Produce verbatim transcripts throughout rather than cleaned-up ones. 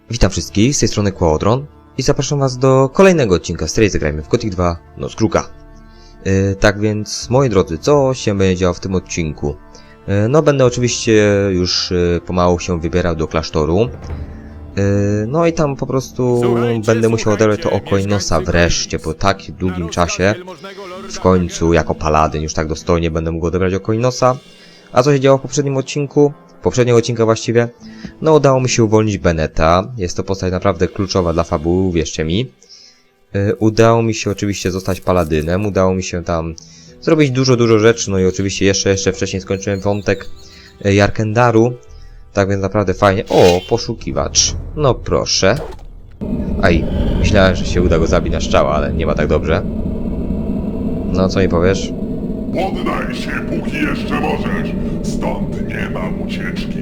Witam wszystkich, z tej strony Quadron i zapraszam was do kolejnego odcinka z serii Zagrajmy w Gothic dwa Noc Kruka. Yy, tak więc, moi drodzy, co się będzie działo w tym odcinku? Yy, no, będę oczywiście już yy, pomału się wybierał do klasztoru. Yy, no i tam po prostu słuchajcie, będę musiał odebrać to oko Inosa wreszcie, po tak długim czasie. W końcu, jako paladyn, już tak dostojnie będę mógł odebrać oko Inosa. A co się działo w poprzednim odcinku? Poprzedniego odcinka właściwie, no udało mi się uwolnić Beneta. Jest to postać naprawdę kluczowa dla fabuły, wierzcie mi. Yy, udało mi się oczywiście zostać paladynem, udało mi się tam zrobić dużo, dużo rzeczy, no i oczywiście jeszcze, jeszcze wcześniej skończyłem wątek yy, Jarkendaru. Tak więc naprawdę fajnie. O, poszukiwacz. No proszę. Aj, myślałem, że się uda go zabić na strzała, ale nie ma tak dobrze. No, co mi powiesz? Poddaj się, póki jeszcze możesz. Stąd nie ma ucieczki.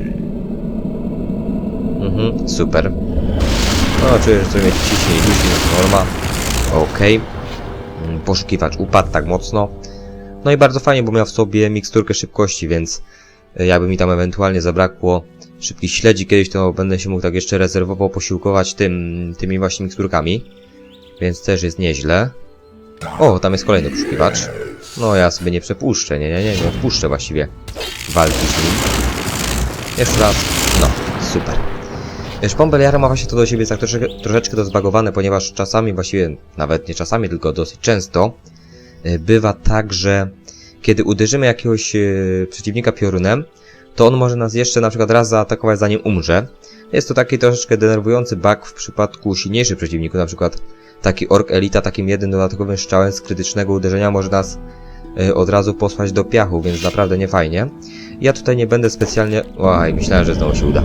Mhm, super. No, czuję, że sobie mnie ciśnie i dusi, no to norma. Okej. Okay. Poszukiwacz upadł tak mocno. No i bardzo fajnie, bo miał w sobie miksturkę szybkości, więc jakby mi tam ewentualnie zabrakło szybkich śledzi kiedyś, to będę się mógł tak jeszcze rezerwowo posiłkować tym, tymi właśnie miksturkami. Więc też jest nieźle. O, tam jest kolejny poszukiwacz. No ja sobie nie przepuszczę, nie, nie, nie, nie odpuszczę właściwie walki z nim. Jeszcze raz, no, super. Szpon Beliara ma właśnie to do siebie tak troszeczkę, troszeczkę to zbagowane, ponieważ czasami, właściwie nawet nie czasami, tylko dosyć często bywa tak, że kiedy uderzymy jakiegoś yy, przeciwnika piorunem, to on może nas jeszcze na przykład raz zaatakować, zanim umrze. Jest to taki troszeczkę denerwujący bug w przypadku silniejszych przeciwników, na przykład taki Ork Elita takim jednym dodatkowym strzałem z krytycznego uderzenia może nas yy, od razu posłać do piachu, więc naprawdę nie fajnie. Ja tutaj nie będę specjalnie... Oj, myślałem, że znowu się uda.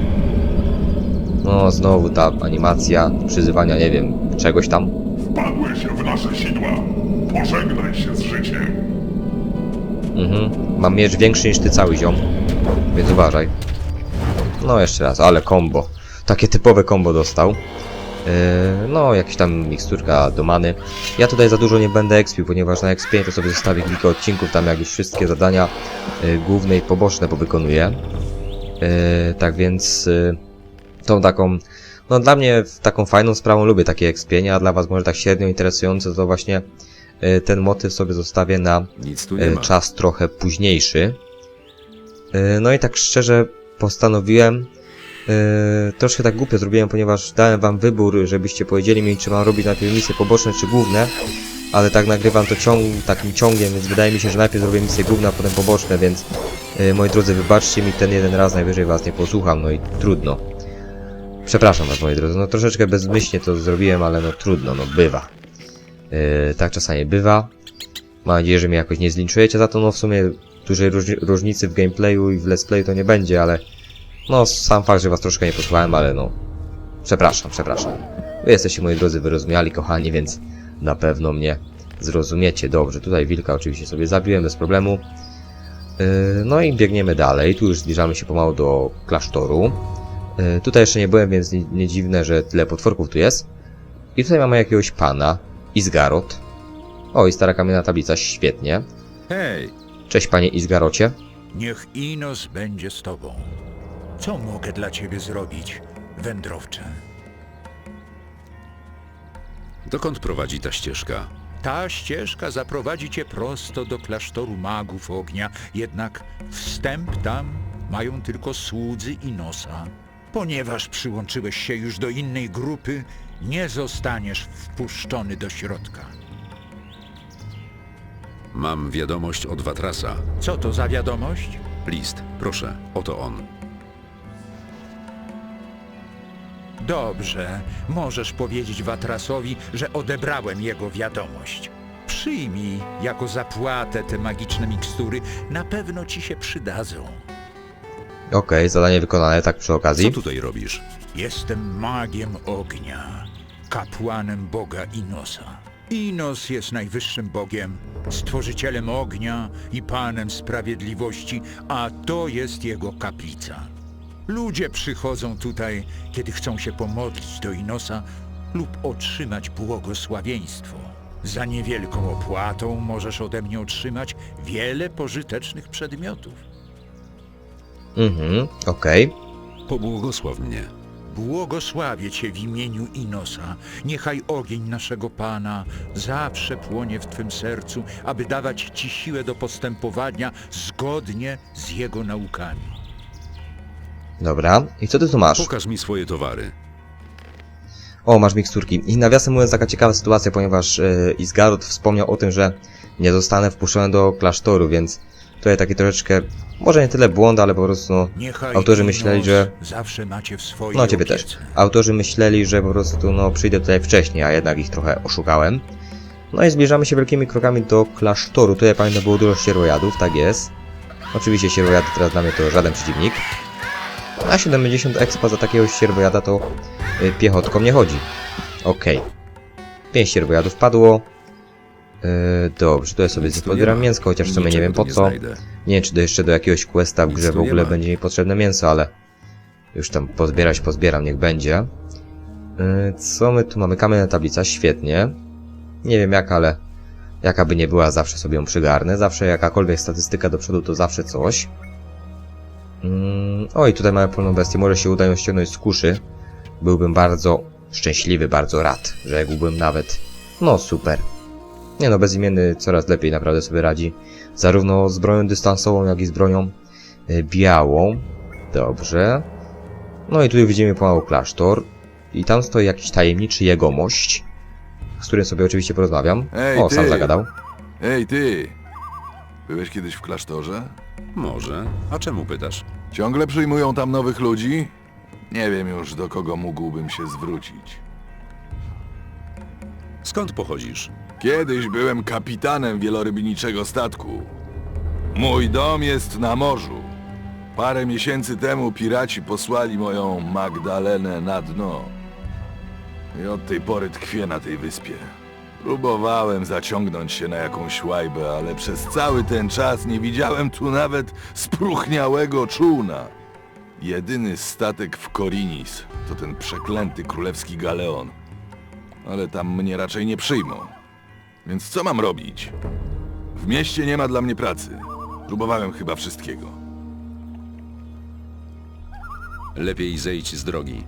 No, znowu ta animacja przyzywania, nie wiem, czegoś tam. Wpadłeś w nasze sidła. Pożegnaj się z życiem. Mhm, mam miecz większy niż ty cały ziom, więc uważaj. No jeszcze raz, ale combo. Takie typowe combo dostał. Yy, no, jakaś tam miksturka do many. Ja tutaj za dużo nie będę expił, ponieważ na expię to sobie zostawię kilka odcinków, tam jak już wszystkie zadania yy, główne i poboczne powykonuję. Yy, tak więc yy, tą taką, no dla mnie taką fajną sprawą lubię takie expienia, a dla was może tak średnio interesujące, to właśnie yy, ten motyw sobie zostawię na Nic tu nie yy, ma. czas trochę późniejszy. Yy, no i tak szczerze postanowiłem, Yy, troszkę tak głupio zrobiłem, ponieważ dałem wam wybór, żebyście powiedzieli mi, czy mam robić najpierw misje poboczne, czy główne. Ale tak nagrywam to ciąg, takim ciągiem, więc wydaje mi się, że najpierw zrobię misje główne, a potem poboczne, więc yy, moi drodzy, wybaczcie mi ten jeden raz, najwyżej was nie posłucham, no i trudno. Przepraszam was, moi drodzy, no troszeczkę bezmyślnie to zrobiłem, ale no trudno, no bywa. Yy, tak czasami bywa. Mam nadzieję, że mnie jakoś nie zlinczujecie za to, no w sumie dużej różni różnicy w gameplayu i w let's playu to nie będzie, ale... No, sam fakt, że was troszkę nie posłuchałem, ale no... Przepraszam, przepraszam. Wy jesteście, moi drodzy, wyrozumiali, kochani, więc na pewno mnie zrozumiecie. Dobrze, tutaj wilka oczywiście sobie zabiłem bez problemu. Yy, no i biegniemy dalej. Tu już zbliżamy się pomału do klasztoru. Yy, tutaj jeszcze nie byłem, więc nie, nie dziwne, że tyle potworków tu jest. I tutaj mamy jakiegoś pana. Izgarot. O, i stara kamienna tablica, świetnie. Hej, Cześć, panie Izgarocie. niech Inos będzie z tobą. Co mogę dla ciebie zrobić, wędrowcze? Dokąd prowadzi ta ścieżka? Ta ścieżka zaprowadzi cię prosto do klasztoru magów ognia, jednak wstęp tam mają tylko słudzy Inosa. Ponieważ przyłączyłeś się już do innej grupy, nie zostaniesz wpuszczony do środka. Mam wiadomość od Watrasa. Co to za wiadomość? List, proszę, oto on. Dobrze, możesz powiedzieć Watrasowi, że odebrałem jego wiadomość. Przyjmij jako zapłatę te magiczne mikstury, na pewno ci się przydadzą. Okej, okay, zadanie wykonane, tak przy okazji. Co tutaj robisz? Jestem magiem ognia, kapłanem Boga Inosa. Inos jest najwyższym Bogiem, stworzycielem ognia i Panem Sprawiedliwości, a to jest jego kaplica. Ludzie przychodzą tutaj, kiedy chcą się pomodlić do Inosa lub otrzymać błogosławieństwo. Za niewielką opłatą możesz ode mnie otrzymać wiele pożytecznych przedmiotów. Mhm, okej. Pobłogosław mnie. błogosławię Cię w imieniu Inosa. Niechaj ogień naszego Pana zawsze płonie w Twym sercu, aby dawać Ci siłę do postępowania zgodnie z Jego naukami. Dobra, i co ty tu masz? Pokaż mi swoje towary. O, masz miksturki. I nawiasem mówiąc, taka ciekawa sytuacja, ponieważ yy, Isgarot wspomniał o tym, że nie zostanę wpuszczony do klasztoru, więc tutaj taki troszeczkę, może nie tyle błąd, ale po prostu no, Niechaj autorzy Inos myśleli, że... zawsze macie w swojej No ciebie opiece. też. Autorzy myśleli, że po prostu no przyjdę tutaj wcześniej, a jednak ich trochę oszukałem. No i zbliżamy się wielkimi krokami do klasztoru. Tutaj pamiętam było dużo sierwojadów, tak jest. Oczywiście sierwojady teraz dla mnie to żaden przeciwnik. A siedemdziesiąt expa za takiego sierwojada to y, piechotką nie chodzi. Okej. Okay. pięć sierwojadów padło. Yy, dobrze, tutaj sobie Nic tu podbieram nie ma. mięsko, chociaż w sumie nie Niczego wiem tu po nie co. znajdę. Nie wiem, czy do jeszcze do jakiegoś questa w Nic grze w tu nie ogóle ma. będzie mi potrzebne mięso, ale już tam pozbierać pozbieram, niech będzie. Yy, co my tu mamy? Kamienna tablica, świetnie. Nie wiem jak, ale jaka by nie była, zawsze sobie ją przygarnę. Zawsze jakakolwiek statystyka do przodu to zawsze coś. Yy, oj, tutaj mamy polną bestię, może się uda ją ściągnąć z kuszy. Byłbym bardzo szczęśliwy, bardzo rad, rzekłbym nawet. No super. Nie no, bezimienny coraz lepiej naprawdę sobie radzi. Zarówno z bronią dystansową, jak i z bronią y, białą. Dobrze. No i tutaj widzimy pomału klasztor. I tam stoi jakiś tajemniczy jegomość, z którym sobie oczywiście porozmawiam. Ej, O, ty! sam zagadał. Ej, ty! Byłeś kiedyś w klasztorze? Może. A czemu pytasz? Ciągle przyjmują tam nowych ludzi? Nie wiem już, do kogo mógłbym się zwrócić. Skąd pochodzisz? Kiedyś byłem kapitanem wielorybniczego statku. Mój dom jest na morzu. Parę miesięcy temu piraci posłali moją Magdalenę na dno. I od tej pory tkwię na tej wyspie. Próbowałem zaciągnąć się na jakąś łajbę, ale przez cały ten czas nie widziałem tu nawet spróchniałego czółna. Jedyny statek w Korinis to ten przeklęty królewski galeon. Ale tam mnie raczej nie przyjmą. Więc co mam robić? W mieście nie ma dla mnie pracy. Próbowałem chyba wszystkiego. Lepiej zejdź z drogi.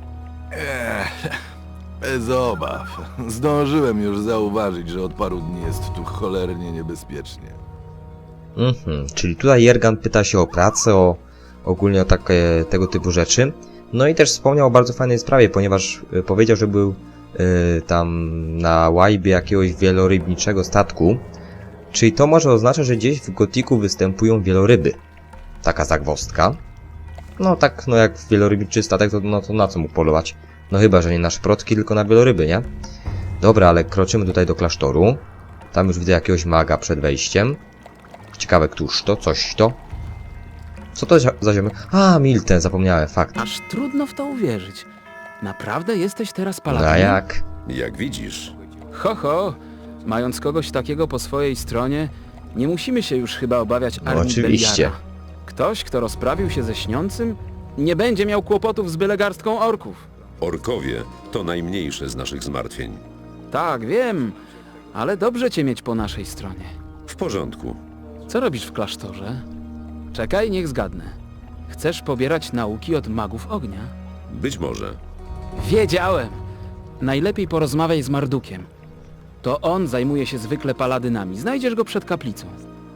Bez obaw. Zdążyłem już zauważyć, że od paru dni jest tu cholernie niebezpiecznie. Mhm, czyli tutaj Jergan pyta się o pracę, o ogólnie o takie tego typu rzeczy. No i też wspomniał o bardzo fajnej sprawie, ponieważ y, powiedział, że był y, tam na łajbie jakiegoś wielorybniczego statku. Czyli to może oznaczać, że gdzieś w Gotiku występują wieloryby. Taka zagwozdka. No tak, no jak wielorybniczy statek, to, no, to na co mógł polować? No chyba, że nie na szprotki, tylko na wieloryby, nie? Dobra, ale kroczymy tutaj do klasztoru. Tam już widzę jakiegoś maga przed wejściem. Ciekawe, któż to? Coś to? Co to za ziemię? A, Milten, zapomniałem, fakt. Aż trudno w to uwierzyć. Naprawdę jesteś teraz No a paladinem? jak? Jak widzisz. Ho, ho! Mając kogoś takiego po swojej stronie, nie musimy się już chyba obawiać No armii oczywiście. Beliara. Ktoś, kto rozprawił się ze śniącym, nie będzie miał kłopotów z byle garstką orków. Orkowie to najmniejsze z naszych zmartwień. Tak, wiem, ale dobrze cię mieć po naszej stronie. W porządku. Co robisz w klasztorze? Czekaj, niech zgadnę. Chcesz pobierać nauki od magów ognia? Być może. Wiedziałem! Najlepiej porozmawiaj z Mardukiem. To on zajmuje się zwykle paladynami. Znajdziesz go przed kaplicą.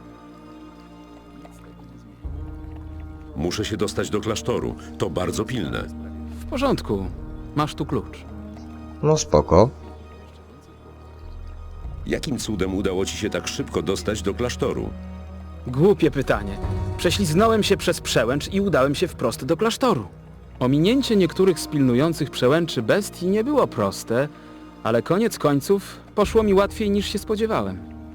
Muszę się dostać do klasztoru. To bardzo pilne. W porządku. Masz tu klucz. No spoko. Jakim cudem udało ci się tak szybko dostać do klasztoru? Głupie pytanie. Prześliznąłem się przez przełęcz i udałem się wprost do klasztoru. Ominięcie niektórych z pilnujących przełęczy bestii nie było proste, ale koniec końców poszło mi łatwiej niż się spodziewałem.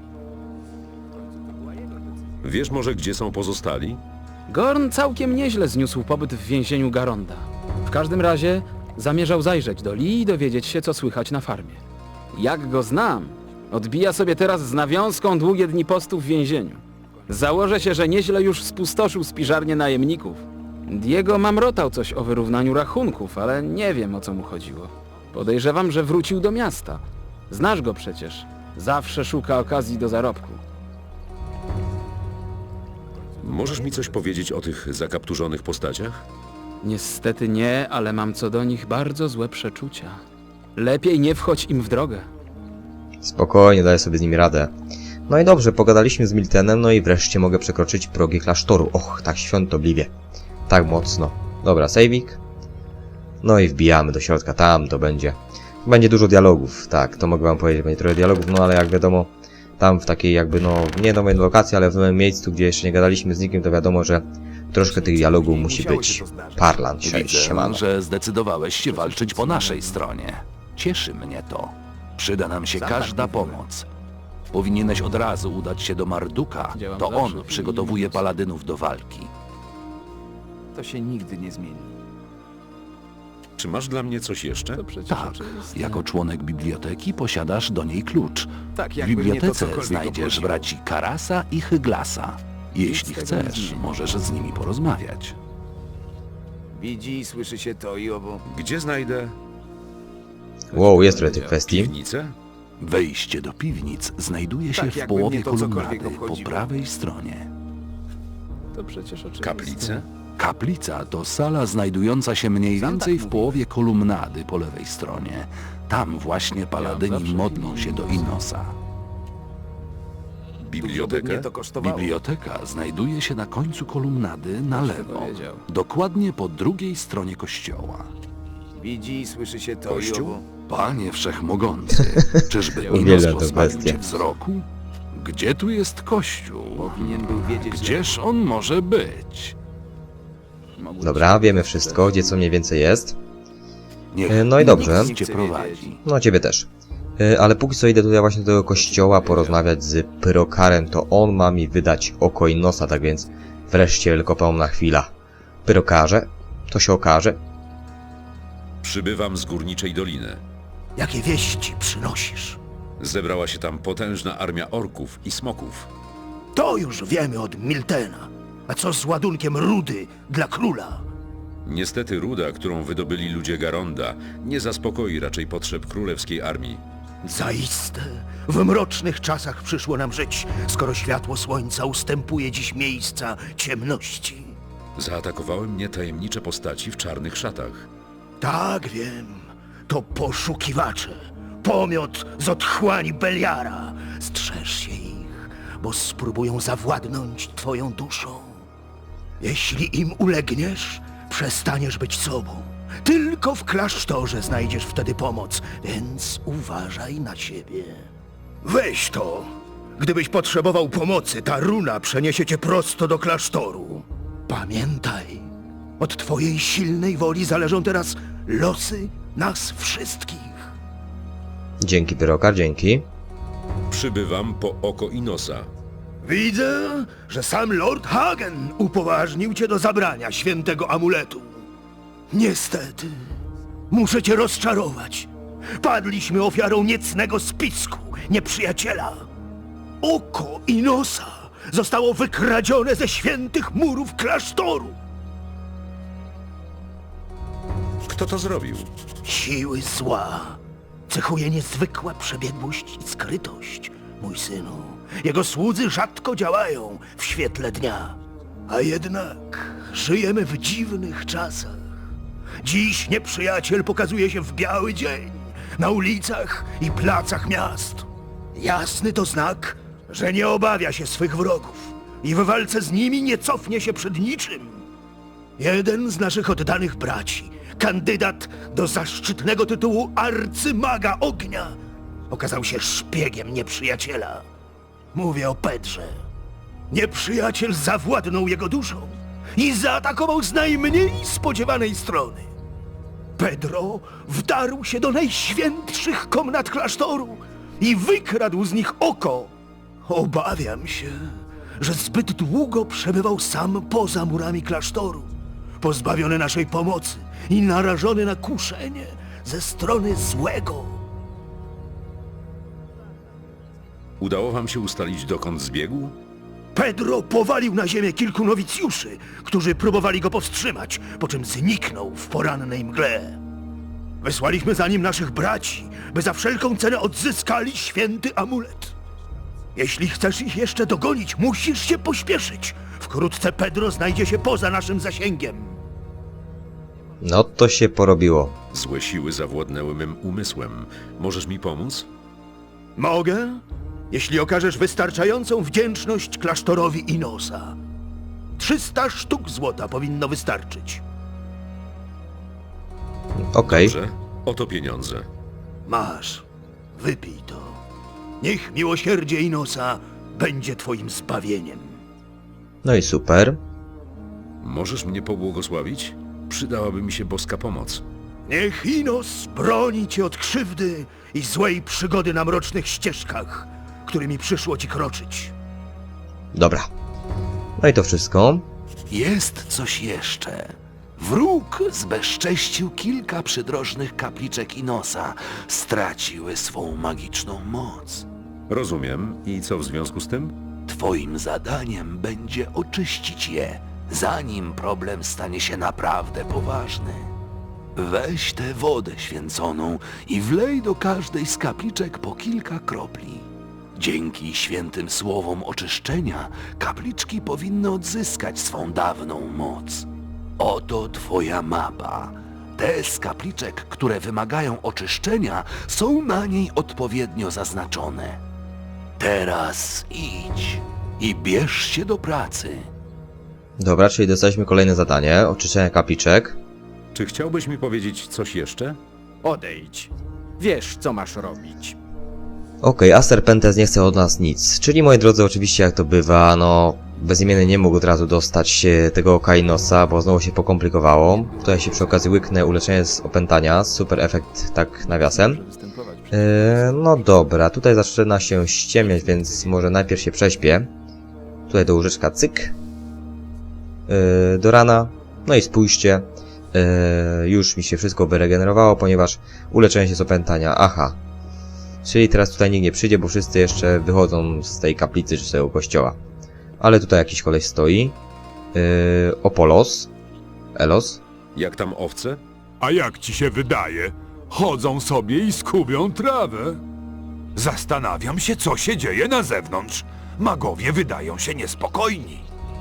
Wiesz może, gdzie są pozostali? Gorn całkiem nieźle zniósł pobyt w więzieniu Garonda. W każdym razie zamierzał zajrzeć do Lee i dowiedzieć się, co słychać na farmie. Jak go znam, odbija sobie teraz z nawiązką długie dni postu w więzieniu. Założę się, że nieźle już spustoszył spiżarnię najemników. Diego mamrotał coś o wyrównaniu rachunków, ale nie wiem, o co mu chodziło. Podejrzewam, że wrócił do miasta. Znasz go przecież. Zawsze szuka okazji do zarobku. Możesz mi coś powiedzieć o tych zakapturzonych postaciach? Niestety nie, ale mam co do nich bardzo złe przeczucia. Lepiej nie wchodź im w drogę. Spokojnie, daję sobie z nimi radę. No i dobrze, pogadaliśmy z Miltenem, no i wreszcie mogę przekroczyć progi klasztoru. Och, tak świątobliwie. Tak mocno. Dobra, sejwik. No i wbijamy do środka, tam to będzie. Będzie dużo dialogów, tak, to mogę wam powiedzieć, będzie trochę dialogów, no ale jak wiadomo, tam w takiej jakby, no, nie nowej lokacji, ale w nowym miejscu, gdzie jeszcze nie gadaliśmy z nikim, to wiadomo, że troszkę tych dialogów musi być. Parlan, Widzę, siemano. że zdecydowałeś się walczyć po naszej stronie. Cieszy mnie to. Przyda nam się każda pomoc. Powinieneś od razu udać się do Marduka. Działam To zawsze on w przygotowuje imieniu paladynów do walki. To się nigdy nie zmieni. Czy masz dla mnie coś jeszcze? To przecież Tak, oczywiste. jako członek biblioteki posiadasz do niej klucz. Tak, W jakby mnie to bibliotece cokolwiek znajdziesz obchodziło. braci Karasa i Hyglasa. Jeśli tego nie chcesz, zmieni. możesz z nimi porozmawiać. Widzi i słyszy się to i owo. Gdzie znajdę Wow, jest trochę tych kwestii. piwnicę? Wejście do piwnic znajduje się Tak, w jakby połowie mnie to cokolwiek kolumnady po obchodziło. prawej stronie. To przecież oczywiste. Kaplicę? Kaplica to sala znajdująca się mniej Sam więcej tak w połowie kolumnady po lewej stronie. Tam właśnie paladyni zawsze modlą się do Inosa. Dużo by Bibliotekę? mnie to kosztowało. Biblioteka znajduje się na końcu kolumnady na lewo, powiedział. dokładnie po drugiej stronie kościoła. Widzi i słyszy się to i Kościół? owo. Panie Wszechmogący, czyżby Inos Uwielbiam tę pozbawił bestię. cię wzroku? Gdzie tu jest kościół? Powinien był wiedzieć, że... Gdzież on może być? Mogło Dobra, być- wiemy wszystko, gdzie co mniej więcej jest. Niech E, no i dobrze. Inos cię prowadzi. No, ciebie też. E, Ale póki co idę tutaj właśnie do tego kościoła porozmawiać z Pyrokarem, to on ma mi wydać oko i nosa, tak więc wreszcie wielkopomna chwila. Pyrokarze, to się okaże. Przybywam z Górniczej Doliny. Jakie wieści przynosisz? Zebrała się tam potężna armia orków i smoków. To już wiemy od Miltena. A co z ładunkiem rudy dla króla? Niestety ruda, którą wydobyli ludzie Garonda, nie zaspokoi raczej potrzeb królewskiej armii. Zaiste, w mrocznych czasach przyszło nam żyć, skoro światło słońca ustępuje dziś miejsca ciemności. Zaatakowały mnie tajemnicze postaci w czarnych szatach. Tak wiem, to poszukiwacze. Pomiot z otchłani Beliara. Strzeż się ich, bo spróbują zawładnąć twoją duszą. Jeśli im ulegniesz, przestaniesz być sobą. Tylko w klasztorze znajdziesz wtedy pomoc, więc uważaj na siebie. Weź to! Gdybyś potrzebował pomocy, ta runa przeniesie cię prosto do klasztoru. Pamiętaj, od twojej silnej woli zależą teraz losy nas wszystkich. Dzięki, Pyrokar, dzięki. Przybywam po oko i nosa. Widzę, że sam Lord Hagen upoważnił cię do zabrania świętego amuletu. Niestety, muszę cię rozczarować. Padliśmy ofiarą niecnego spisku nieprzyjaciela. Oko Inosa zostało wykradzione ze świętych murów klasztoru. Kto to zrobił? Siły zła cechuje niezwykła przebiegłość i skrytość, mój synu. Jego słudzy rzadko działają w świetle dnia. A jednak żyjemy w dziwnych czasach. Dziś nieprzyjaciel pokazuje się w biały dzień, na ulicach i placach miast. Jasny to znak, że nie obawia się swych wrogów i w walce z nimi nie cofnie się przed niczym. Jeden z naszych oddanych braci, kandydat do zaszczytnego tytułu arcymaga ognia, okazał się szpiegiem nieprzyjaciela. Mówię o Pedrze. Nieprzyjaciel zawładnął jego duszą i zaatakował z najmniej spodziewanej strony. Pedro wdarł się do najświętszych komnat klasztoru i wykradł z nich oko. Obawiam się, że zbyt długo przebywał sam poza murami klasztoru, pozbawiony naszej pomocy i narażony na kuszenie ze strony złego. Udało wam się ustalić, dokąd zbiegł? Pedro powalił na ziemię kilku nowicjuszy, którzy próbowali go powstrzymać, po czym zniknął w porannej mgle. Wysłaliśmy za nim naszych braci, by za wszelką cenę odzyskali święty amulet. Jeśli chcesz ich jeszcze dogonić, musisz się pośpieszyć. Wkrótce Pedro znajdzie się poza naszym zasięgiem. No to się porobiło. Złe siły zawładnęły mym umysłem. Możesz mi pomóc? Mogę, jeśli okażesz wystarczającą wdzięczność klasztorowi Inosa. Trzysta sztuk złota powinno wystarczyć. Okej. Dobrze. Oto pieniądze. Masz, wypij to. Niech miłosierdzie Inosa będzie twoim zbawieniem. No i super. Możesz mnie pobłogosławić? Przydałaby mi się boska pomoc. Niech Inos broni cię od krzywdy i złej przygody na mrocznych ścieżkach, którymi przyszło ci kroczyć. Dobra. No i to wszystko. Jest coś jeszcze. Wróg zbezcześcił kilka przydrożnych kapliczek Inosa. Straciły swą magiczną moc. Rozumiem. I co w związku z tym? Twoim zadaniem będzie oczyścić je, zanim problem stanie się naprawdę poważny. Weź tę wodę święconą i wlej do każdej z kapliczek po kilka kropli. Dzięki świętym słowom oczyszczenia kapliczki powinny odzyskać swą dawną moc. Oto twoja mapa. Te z kapliczek, które wymagają oczyszczenia, są na niej odpowiednio zaznaczone. Teraz idź i bierz się do pracy. Dobra, czyli dostaliśmy kolejne zadanie. Oczyszczenie kapliczek. Czy chciałbyś mi powiedzieć coś jeszcze? Odejdź. Wiesz, co masz robić. Okej, a Serpentes nie chce od nas nic. Czyli, moi drodzy, oczywiście jak to bywa, no... Bezimienny nie mógł od razu dostać tego Kainosa, bo znowu się pokomplikowało. Tutaj się przy okazji łyknę uleczenie z opętania. Super efekt, tak nawiasem. Yy, no dobra, tutaj zaczyna się ściemniać, więc może najpierw się prześpię. Tutaj do łóżeczka cyk. Yy, do rana. No i spójrzcie. Yy, już mi się wszystko wyregenerowało, ponieważ uleczenie się z opętania. Aha. Czyli teraz tutaj nikt nie przyjdzie, bo wszyscy jeszcze wychodzą z tej kaplicy czy z tego kościoła. Ale tutaj jakiś koleś stoi. Yy, Opolos. Elos. Jak tam owce? A jak ci się wydaje? Chodzą sobie i skubią trawę. Zastanawiam się, co się dzieje na zewnątrz. Magowie wydają się niespokojni.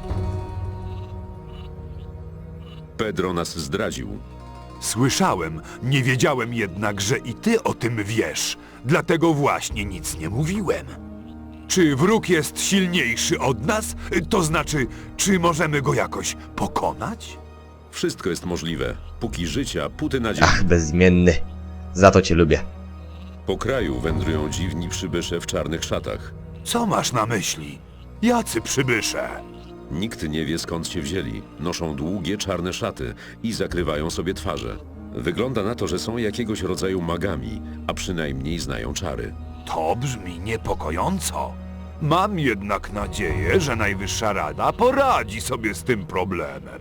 Pedro nas zdradził. Słyszałem, nie wiedziałem jednak, że i ty o tym wiesz. Dlatego właśnie nic nie mówiłem. Czy wróg jest silniejszy od nas? To znaczy, czy możemy go jakoś pokonać? Wszystko jest możliwe. Póki życia, póty nadziei. Ach, bezimienny. Za to cię lubię. Po kraju wędrują dziwni przybysze w czarnych szatach. Co masz na myśli? Jacy przybysze? Nikt nie wie, skąd się wzięli. Noszą długie, czarne szaty i zakrywają sobie twarze. Wygląda na to, że są jakiegoś rodzaju magami, a przynajmniej znają czary. To brzmi niepokojąco. Mam jednak nadzieję, że Najwyższa Rada poradzi sobie z tym problemem.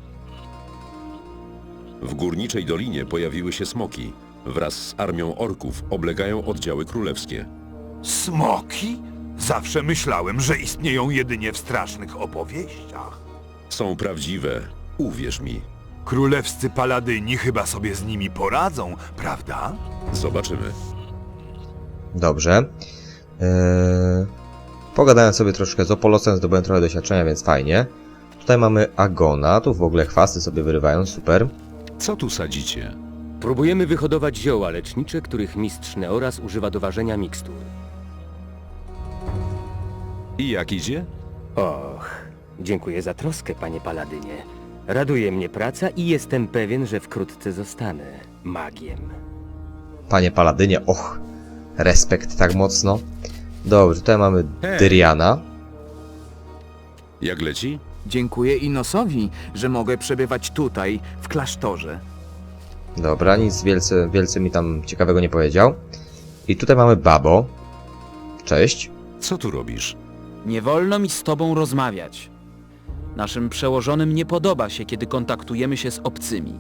W Górniczej Dolinie pojawiły się smoki. Wraz z armią orków oblegają oddziały królewskie. Smoki? Zawsze myślałem, że istnieją jedynie w strasznych opowieściach. Są prawdziwe, uwierz mi. Królewscy paladyni chyba sobie z nimi poradzą, prawda? Zobaczymy. Dobrze. Eee, pogadałem sobie troszkę z Opolosem, zdobyłem trochę doświadczenia, więc fajnie. Tutaj mamy Agona, tu w ogóle chwasty sobie wyrywają, super. Co tu sadzicie? Próbujemy wyhodować zioła lecznicze, których mistrz Neoras używa do ważenia mikstur. I jak idzie? Och, dziękuję za troskę, panie Paladynie. Raduje mnie praca i jestem pewien, że wkrótce zostanę magiem. Panie Paladynie, och, respekt tak mocno. Dobrze, tutaj mamy Hej. Dyriana. Jak leci? Dziękuję Inosowi, że mogę przebywać tutaj, w klasztorze. Dobra, nic wielce, wielce mi tam ciekawego nie powiedział. I tutaj mamy Babo. Cześć. Co tu robisz? Nie wolno mi z tobą rozmawiać. Naszym przełożonym nie podoba się, kiedy kontaktujemy się z obcymi.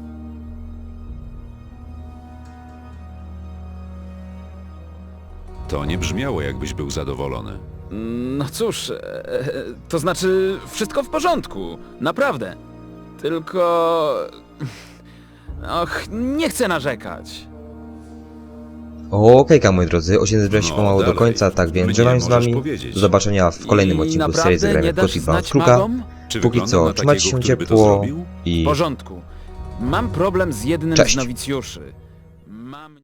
To nie brzmiało, jakbyś był zadowolony. No cóż, e, to znaczy wszystko w porządku, naprawdę. Tylko... Och, nie chcę narzekać. Okejka, moi drodzy, odcinek zbliża się No, pomału do dalej. końca, tak więc Mnie żegnam z możesz wami. powiedzieć. Do zobaczenia w kolejnym I odcinku z naprawdę serii Zagrajmy nie w dasz Gotti Band znać Kruka. magom? Czy Póki wygląda co, na trzymajcie takiego, się który by to ciepło zrobił? i W porządku. Mam problem z jednym Cześć. z nowicjuszy. Mam...